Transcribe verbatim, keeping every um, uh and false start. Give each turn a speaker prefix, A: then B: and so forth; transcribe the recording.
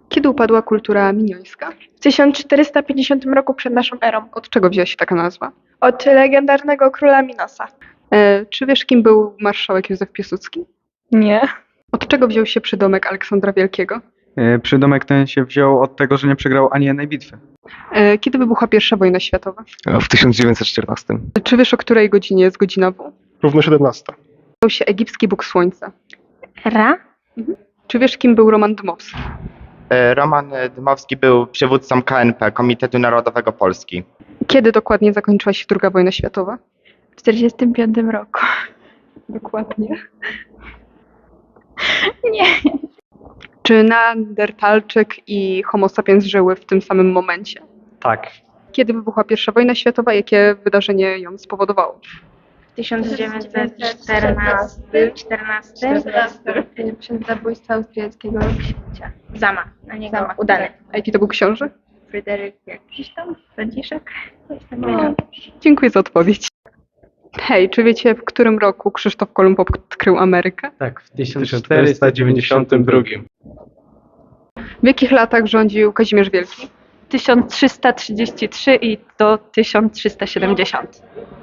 A: Kiedy upadła kultura miniońska?
B: W tysiąc czterysta pięćdziesiątym roku przed naszą erą.
A: Od czego wzięła się taka nazwa?
B: Od legendarnego króla Minosa.
A: E, czy wiesz, kim był marszałek Józef Piłsudski?
B: Nie.
A: Od czego wziął się przydomek Aleksandra Wielkiego?
C: E, Przydomek ten się wziął od tego, że nie przegrał ani jednej bitwy.
A: E, kiedy wybuchła pierwsza wojna światowa?
D: W tysiąc dziewięćset czternastym.
A: Czy wiesz, o której godzinie jest godzina W?
E: Równo siedemnasta.
A: Wziął się egipski bóg słońca.
B: Ra?
A: Czy wiesz, kim był Roman Dmowski?
F: E, Roman Dmowski był przywódcą K N P, Komitetu Narodowego Polski.
A: Kiedy dokładnie zakończyła się druga wojna światowa?
B: W czterdziestym piątym roku.
A: Dokładnie.
B: Nie.
A: Czy Neandertalczyk i Homo sapiens żyły w tym samym momencie?
G: Tak.
A: Kiedy wybuchła pierwsza wojna światowa? Jakie wydarzenie ją spowodowało?
B: tysiąc dziewięćset czternasty. czternasty. Przez zabójstwo austriackiego księcia. Zamach na niego udany.
A: A jaki to był książę?
B: Fryderyk jakiś tam, Franciszek.
A: No. Dziękuję za odpowiedź. Hej, czy wiecie, w którym roku Krzysztof Kolumb odkrył Amerykę?
G: Tak, w
E: tysiąc czterysta dziewięćdziesiątym drugim.
A: W jakich latach rządził Kazimierz Wielki?
H: tysiąc trzysta trzydzieści trzy i do tysiąc trzysta siedemdziesiąt.